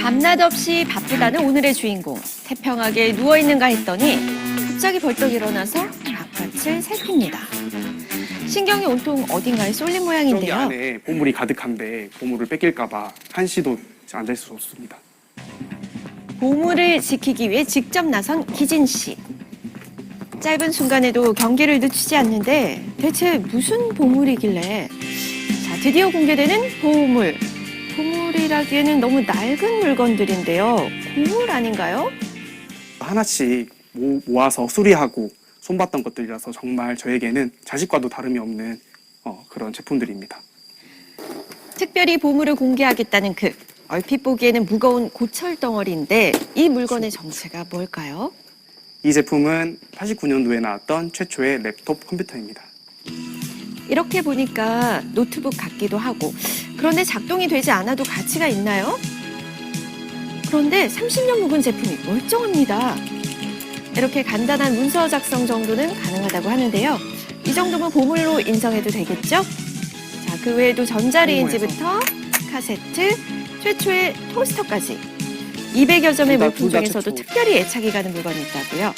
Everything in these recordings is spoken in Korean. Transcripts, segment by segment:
밤낮 없이 바쁘다는 오늘의 주인공. 태평하게 누워있는가 했더니 갑자기 벌떡 일어나서 바깥을 살핍니다. 신경이 온통 어딘가에 쏠린 저기 모양인데요. 안에 보물이 가득한데 보물을 뺏길까 봐 한시도 앉을 수 없습니다. 보물을 지키기 위해 직접 나선 기진 씨. 짧은 순간에도 경계를 늦추지 않는데 대체 무슨 보물이길래? 자, 드디어 공개되는 보물. 보물이라기에는 너무 낡은 물건들인데요. 고물 아닌가요? 하나씩 모아서 수리하고 손봤던 것들이라서 정말 저에게는 자식과도 다름이 없는 그런 제품들입니다. 특별히 보물을 공개하겠다는 얼핏 보기에는 무거운 고철 덩어리인데 이 물건의 정체가 뭘까요? 이 제품은 89년도에 나왔던 최초의 랩톱 컴퓨터입니다. 이렇게 보니까 노트북 같기도 하고 그런데 작동이 되지 않아도 가치가 있나요? 그런데 30년 묵은 제품이 멀쩡합니다. 이렇게 간단한 문서 작성 정도는 가능하다고 하는데요. 이 정도면 보물로 인정해도 되겠죠? 자, 그 외에도 전자레인지부터 카세트, 최초의 토스터까지 200여 점의 물품 중에서도 특별히 애착이 가는 물건이 있다고요.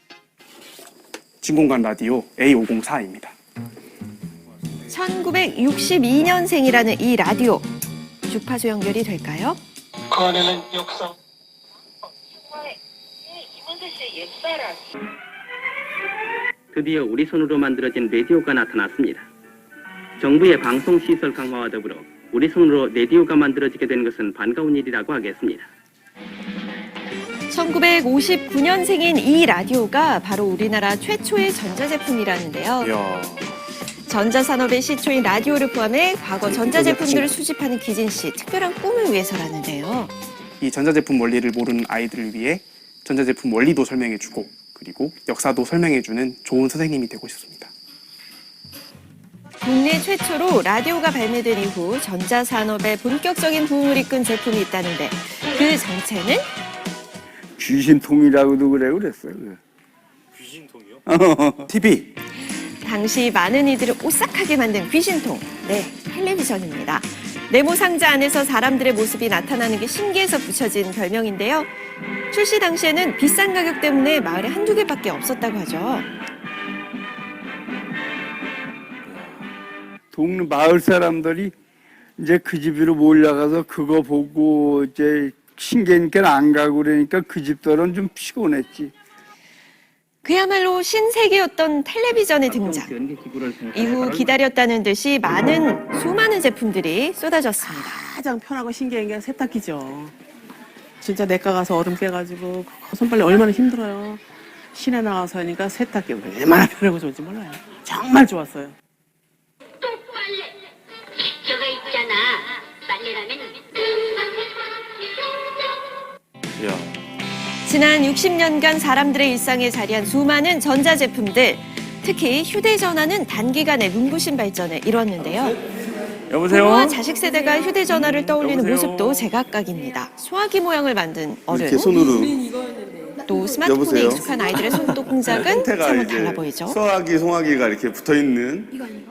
진공관 라디오 A504입니다. 1962년생이라는 이 라디오. 주파수 연결이 될까요? 그 안에는 역사. 정말 이문세 씨의 옛사랑. 드디어 우리 손으로 만들어진 라디오가 나타났습니다. 정부의 방송시설 강화와 더불어 우리 손으로 라디오가 만들어지게 된 것은 반가운 일이라고 하겠습니다. 1959년생인 이 라디오가 바로 우리나라 최초의 전자제품이라는데요. 이야, 전자산업의 시초인 라디오를 포함해 과거 전자제품들을 수집하는 기진 씨 특별한 꿈을 위해서라는데요. 이 전자제품 원리를 모르는 아이들을 위해 전자제품 원리도 설명해주고 그리고 역사도 설명해주는 좋은 선생님이 되고 싶습니다. 국내 최초로 라디오가 발매된 이후 전자산업의 본격적인 부흥을 이끈 제품이 있다는데 그 정체는? 귀신통이라고도 그랬어요. 귀신통이요? TV. 당시 많은 이들을 오싹하게 만든 귀신통, 네, 텔레비전입니다. 네모 상자 안에서 사람들의 모습이 나타나는 게 신기해서 붙여진 별명인데요. 출시 당시에는 비싼 가격 때문에 마을에 한두 개밖에 없었다고 하죠. 동네 마을 사람들이 이제 그 집으로 몰려가서 그거 보고 이제 신기하니까 안 가고 그러니까 그 집들은 좀 피곤했지. 그야말로 신세계였던 텔레비전의 등장. 이후 기다렸다는 듯이 수많은 제품들이 쏟아졌습니다. 가장 편하고 신기한 게 세탁기죠. 진짜 내과 가서 얼음 빼가지고 그 손빨래 얼마나 힘들어요. 시내 나가서 하니까 세탁기 얼마나 편하고 좋은지 몰라요. 정말 좋았어요. 똥빨래. 저거 있잖아. 빨래라면 이야. 지난 60년간 사람들의 일상에 자리한 수많은 전자제품들, 특히 휴대전화는 단기간에 눈부신 발전을 이뤘는데요. 여보세요? 부모와 자식 세대가 휴대전화를 떠올리는 모습도 제각각입니다. 소화기 모양을 만든 어른, 이렇게 손으로 또 스마트폰에 여보세요? 익숙한 아이들의 손톱 동작은 사뭇 달라 보이죠. 송아기가 이렇게 붙어 있는.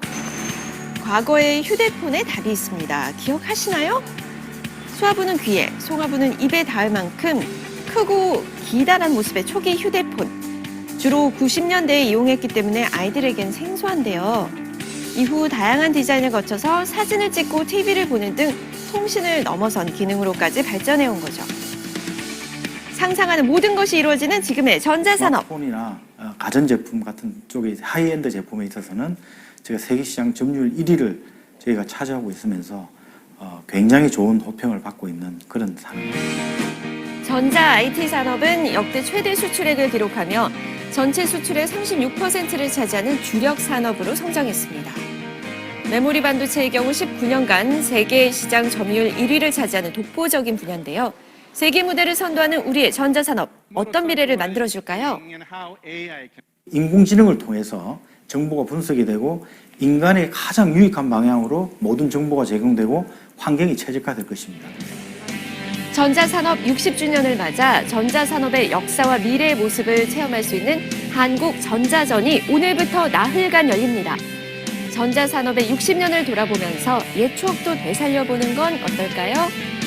과거의 휴대폰에 답이 있습니다. 기억하시나요? 수화부는 귀에, 송화부는 입에 닿을 만큼 크고 기다란 모습의 초기 휴대폰. 주로 90년대에 이용했기 때문에 아이들에겐 생소한데요. 이후 다양한 디자인을 거쳐서 사진을 찍고 TV를 보는 등 통신을 넘어선 기능으로까지 발전해온 거죠. 상상하는 모든 것이 이루어지는 지금의 전자산업. 스마트폰이나 가전제품 같은 쪽의 하이엔드 제품에 있어서는 저희가 세계시장 점유율 1위를 저희가 차지하고 있으면서 굉장히 좋은 호평을 받고 있는 그런 산업입니다. 전자 IT 산업은 역대 최대 수출액을 기록하며 전체 수출의 36%를 차지하는 주력 산업으로 성장했습니다. 메모리 반도체의 경우 19년간 세계 시장 점유율 1위를 차지하는 독보적인 분야인데요. 세계 무대를 선도하는 우리의 전자산업, 어떤 미래를 만들어줄까요? 인공지능을 통해서 정보가 분석이 되고 인간의 가장 유익한 방향으로 모든 정보가 제공되고 환경이 최적화될 것입니다. 전자산업 60주년을 맞아 전자산업의 역사와 미래의 모습을 체험할 수 있는 한국전자전이 오늘부터 나흘간 열립니다. 전자산업의 60년을 돌아보면서 옛 추억도 되살려보는 건 어떨까요?